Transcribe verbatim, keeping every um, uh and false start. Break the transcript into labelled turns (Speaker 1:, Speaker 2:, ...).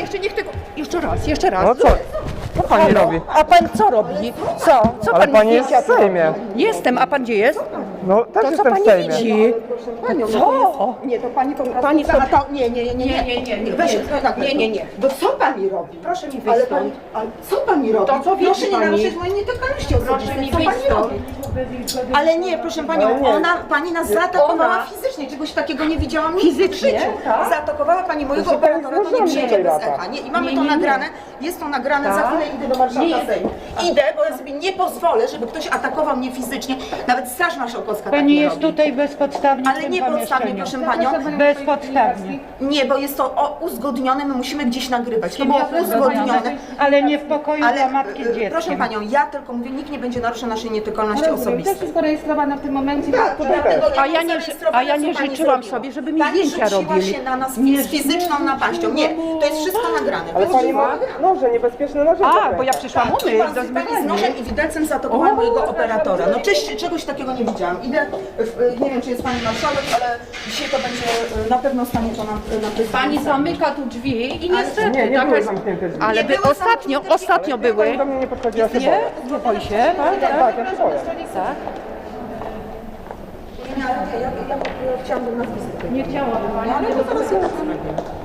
Speaker 1: jeszcze niech tego... Jeszcze raz, jeszcze raz.
Speaker 2: No co? Co pani
Speaker 1: Halo?
Speaker 2: robi?
Speaker 1: A pan co robi? Co? Co
Speaker 2: Ale
Speaker 1: pan
Speaker 2: pani jest
Speaker 1: zdjęcia
Speaker 2: w Sejmie.
Speaker 1: robi? Jestem, a pan gdzie jest?
Speaker 2: No też
Speaker 1: To co
Speaker 2: jestem w
Speaker 1: pani
Speaker 2: Sejmie.
Speaker 1: widzi?
Speaker 3: Panią, no
Speaker 1: Co?
Speaker 3: to jest, nie, to pani po prostu...
Speaker 1: Pani
Speaker 3: Pani
Speaker 1: sobie-
Speaker 3: to, nie, nie, nie, nie,
Speaker 1: Nie, nie, nie, nie,
Speaker 3: Weź,
Speaker 1: nie,
Speaker 3: tak,
Speaker 1: nie, nie, nie.
Speaker 3: Bo co pani robi?
Speaker 1: Proszę mi wyjść
Speaker 3: Ale
Speaker 1: stąd.
Speaker 3: pani, ale co pani robi?
Speaker 1: To co widzi
Speaker 3: Proszę nie
Speaker 1: pani?
Speaker 3: naruszyć mojej nietykalności
Speaker 1: Proszę
Speaker 3: osobistej.
Speaker 1: mi
Speaker 3: Co
Speaker 1: wyjść
Speaker 3: pani
Speaker 1: stąd.
Speaker 3: robi? Ale nie, proszę panią,
Speaker 2: Ale nie.
Speaker 3: ona, pani nas zaatakowała
Speaker 1: Ona?
Speaker 3: fizycznie, czegoś takiego nie widziałam nigdy
Speaker 1: Fizycznie?
Speaker 3: w życiu.
Speaker 1: Tak?
Speaker 3: Zaatakowała pani mojego
Speaker 2: To się pani
Speaker 3: operatora, to nie
Speaker 2: złożyła
Speaker 3: przyjdzie
Speaker 2: tutaj
Speaker 3: bez
Speaker 2: lata.
Speaker 3: echa. Nie, i mamy
Speaker 1: Nie,
Speaker 3: to
Speaker 1: nie, nie.
Speaker 3: nagrane, jest to nagrane, za
Speaker 1: Tak?
Speaker 3: chwilę idę do marszałka
Speaker 1: Nie.
Speaker 3: Sejmu. Idę, bo ja sobie nie pozwolę, żeby ktoś atakował mnie fizycznie, nawet Straż Marszałkowska tak
Speaker 4: Pani
Speaker 3: nie
Speaker 4: jest
Speaker 3: robi.
Speaker 4: tutaj bezpodstawnie w
Speaker 3: Ale
Speaker 4: tym
Speaker 3: niepodstawnie,
Speaker 4: pomieszczeniu.
Speaker 3: proszę panią.
Speaker 4: Bezpodstawnie.
Speaker 3: Nie, bo jest to o, uzgodnione, my musimy gdzieś nagrywać. To było uzgodnione.
Speaker 4: Ale nie w pokoju
Speaker 3: Ale
Speaker 4: dla matki z
Speaker 3: e,
Speaker 4: dzieckiem.
Speaker 3: proszę panią, ja tylko mówię, nikt nie będzie naruszał naszej nietykalności
Speaker 5: To jest
Speaker 3: osobistej.
Speaker 5: wszystko rejestrowane w tym momencie.
Speaker 3: Tak, to dlatego ja
Speaker 1: A ja nie, a ja nie
Speaker 3: co pani
Speaker 1: życzyłam
Speaker 3: zrobiła.
Speaker 1: sobie, żeby mi
Speaker 3: Pani
Speaker 1: zdjęcia
Speaker 3: rzuciła
Speaker 1: robili.
Speaker 3: się na nas
Speaker 1: Nie.
Speaker 3: z fizyczną napaścią. Nie, to jest wszystko nagrane.
Speaker 2: Ale
Speaker 3: To
Speaker 2: pani
Speaker 3: jest
Speaker 2: ma
Speaker 3: wszystko
Speaker 2: noże, niebezpieczne noże.
Speaker 1: A, bo ja przyszłam umyć do
Speaker 3: Pan, pani z
Speaker 1: zmywania.
Speaker 3: nożem i widelcem zaatakowała mojego operatora. No cześć, czegoś takiego nie widziałam. Idę, w, nie wiem czy jest pani marszałek, ale dzisiaj to będzie, na pewno stanie to na, na Facebooku.
Speaker 1: Pani zamyka tu drzwi i niestety
Speaker 2: Nie, nie
Speaker 1: taka
Speaker 2: były
Speaker 1: jest...
Speaker 2: zamknięte drzwi.
Speaker 1: Ale
Speaker 3: Nie
Speaker 1: by
Speaker 3: były
Speaker 1: ostatnio,
Speaker 3: zamknięte drzwi.
Speaker 1: ostatnio były.
Speaker 2: Pani do mnie nie podchodziła, się
Speaker 1: Nie?
Speaker 2: boję.
Speaker 1: Nie boi się? Tak, tak.
Speaker 2: Tak, ja się boję.
Speaker 1: Tak.
Speaker 3: Nie, ale ja, ja, ja, ja chciałabym nazwisko.
Speaker 1: Nie chciałabym pani.
Speaker 3: Ale to zaraz ja